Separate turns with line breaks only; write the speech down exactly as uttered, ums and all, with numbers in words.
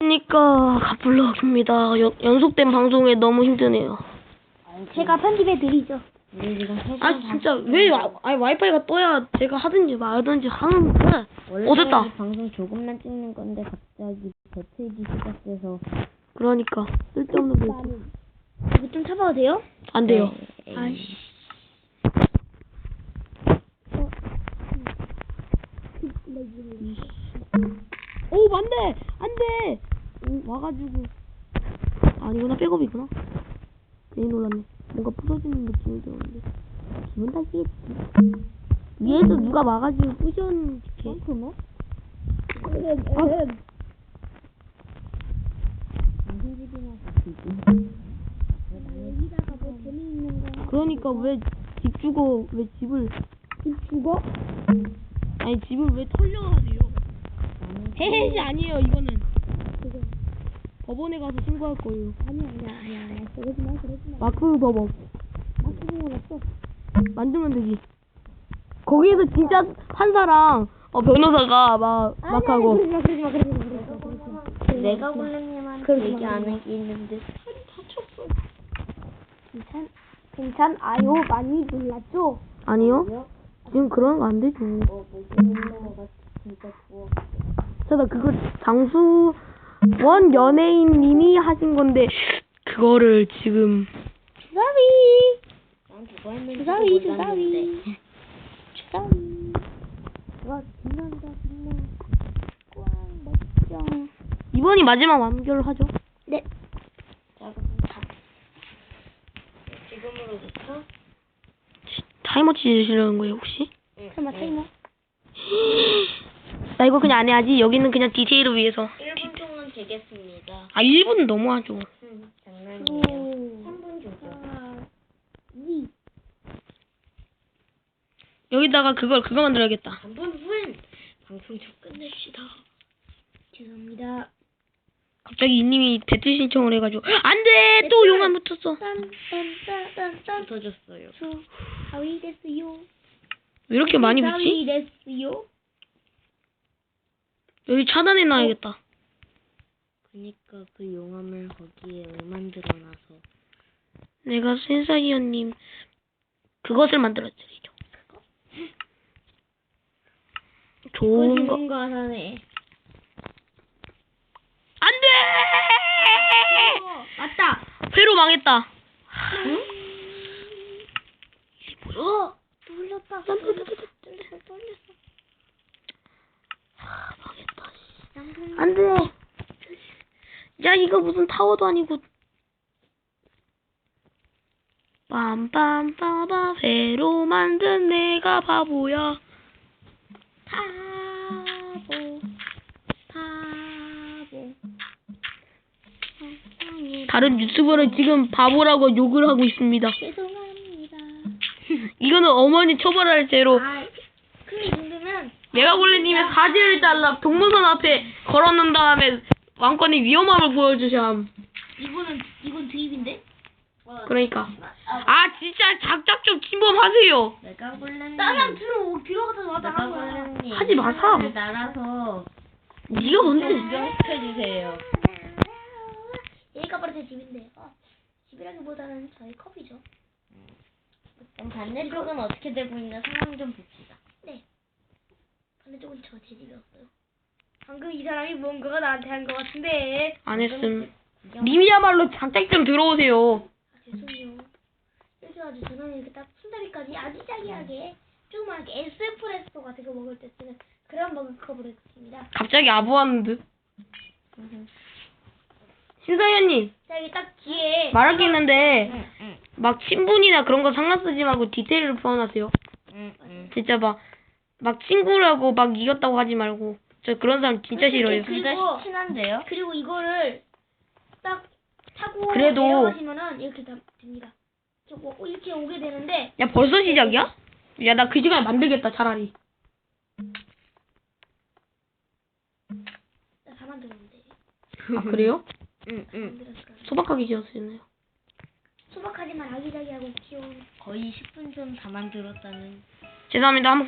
그러니까 가블럭입니다. 연- 연속된 방송에 너무 힘드네요.
제가 편집해 드리죠.
우리 지금 세
아 진짜 왜 와, 아니 와이파이가 떠야 제가 하든지 말든지 하는데.
원래
어 됐다.
이 방송 조금만 찍는 건데 갑자기 배틀기 시작돼서
그러니까 쓸데없는 거 있어.
이거 좀 참아도 돼요?
안 돼요.
네,
아이씨.
오 안돼 안돼. 오 와가지고 아니구나 백업이구나. 괜히 놀랐네. 뭔가 부서지는 느낌이 들었는데 기분 탓이겠지. 위에서 누가 와가지고 부셨는지.
그러면?
아,
방송집이나 같이
여기다가 뭐 재미있는 거.
그러니까 왜 집 주고 왜 집을
집 죽어?
아니 집을 왜 털려하세요? 헤헤시 아니에요 이거는.
그거.
법원에 가서 신고할 거예요.
아니야 아니야 아니야 아니야. 그러지 마 그러지 마.
마크 법원
막 그런 건 없어.
만들면 되지. 거기에서 진짜 판사랑 어, 변호사가 막
아니야,
막 하고.
그러지 마 그러지 마 그러지 마 그러지 마 그러지 마.
내가 골렘님한테
그러지
얘기
마,
안
그러지
하기 있는데
괜찮 괜찮 아요 많이 놀랐죠?
아니요? 지금 그런 거 안 되죠.
어 모기놀러가 진짜 좋아.
자, 나 그거 장수원 연예인님이 하신 건데 그거를 지금
주사위
난 그거 했는지
주사위
몰랐는데
주사위 주사위. 와 빛난다 빛나. 꽝 멋져.
이번이 마지막 완결하죠.
네.
자 그럼 다 지금으로부터
타이머 치시려는 거예요 혹시?
설마 타이머?
나 이거 그냥 안 해야지. 여기는 그냥 디테일을 위해서.
일 분 동안 되겠습니다.
아 일 분 너무하죠.
음, 장난이에요. 삼 분 주죠.
아, 이.
여기다가 그걸 그거 만들어야겠다.
삼 분 후엔 방송 좀 끝냅시다.
죄송합니다.
갑자기 이님이 배틀 신청을 해가지고 안돼 또 용암 붙었어.
딴딴딴딴딴
붙어줬어요.
하위 됐어요.
왜 이렇게 많이
하위
붙지?
됐어요.
여기 차단해 놔야겠다.
그니까 그 용암을 거기에 만들어놔서
내가 센사이언님 그것을 만들어드리죠. 좋은 거.
뭔가 사네.
안돼!
맞다.
회로 망했다. 응?
어, 뚫렸다. 뚫렸어. 뚫렸어. 뚫렸어.
아, 망했다.
양분.
안돼. 야 이거 무슨 타워도 아니고. 빰빰빠바 회로 만든 내가 바보야.
바보. 바보.
다른 유튜버는 지금 바보라고 욕을 하고 있습니다.
죄송합니다.
이거는 어머니 처벌할 죄로.
아, 그 정도면
메가골레님의 사지를 잘라 동물원 앞에 걸어놓은 다음에 왕권의 위험함을 보여주셔 함.
이거는 이건 드립인데?
그러니까 아 진짜 작작 좀 침범하세요.
내가 골렘님.
나랑 들어 들어가서 왔다
내가
한 거야.
골렘님.
하지 마사.
날아서
네가 뭔데?
구경시켜주세요.
여기가 바로 제 집인데. 어, 집이라기보다는 저희 컵이죠.
그럼 반대쪽은 어떻게 되고 있는 상황 좀 봅시다.
네. 반대쪽은 저 제 집이었어요. 방금 이 사람이 뭔가가 나한테 한 것 같은데.
안 했음.
구경-
님이야말로 작작 좀 들어오세요.
아, 죄송해요. 이렇게 아주 저는 이렇게 딱 순다리까지 아기자기하게 조그맣게 에스프레소 같은 거 먹을 때 쓰는 그런 머그컵으로 했습니다.
갑자기 아부하는 듯.
음,
신사위원님
자, 여기 딱 뒤에
말할 게 있는데
응, 응,
막 친분이나 그런 거 상관 쓰지 말고 디테일을 표현하세요.
응, 응.
진짜 막 막 친구라고 막 이겼다고 하지 말고. 저 그런 사람 진짜 싫어요.
그리고-
둘다 친한데요?
그리고 이거를 딱 타고
그래도-
내려가시면은 이렇게 다 됩니다. 이렇게 오- 이렇게 오게 되는데
야 벌써 시작이야? 야 나 그 시간에 만들겠다 차라리.
나 다 만들었는데.
아 그래요?
응, 응.
만들었어요.
소박하게 지었으네요.
소박하지만 아기자기하고 귀여운.
거의 십 분 전 다 만들었다는.
죄송합니다. 한번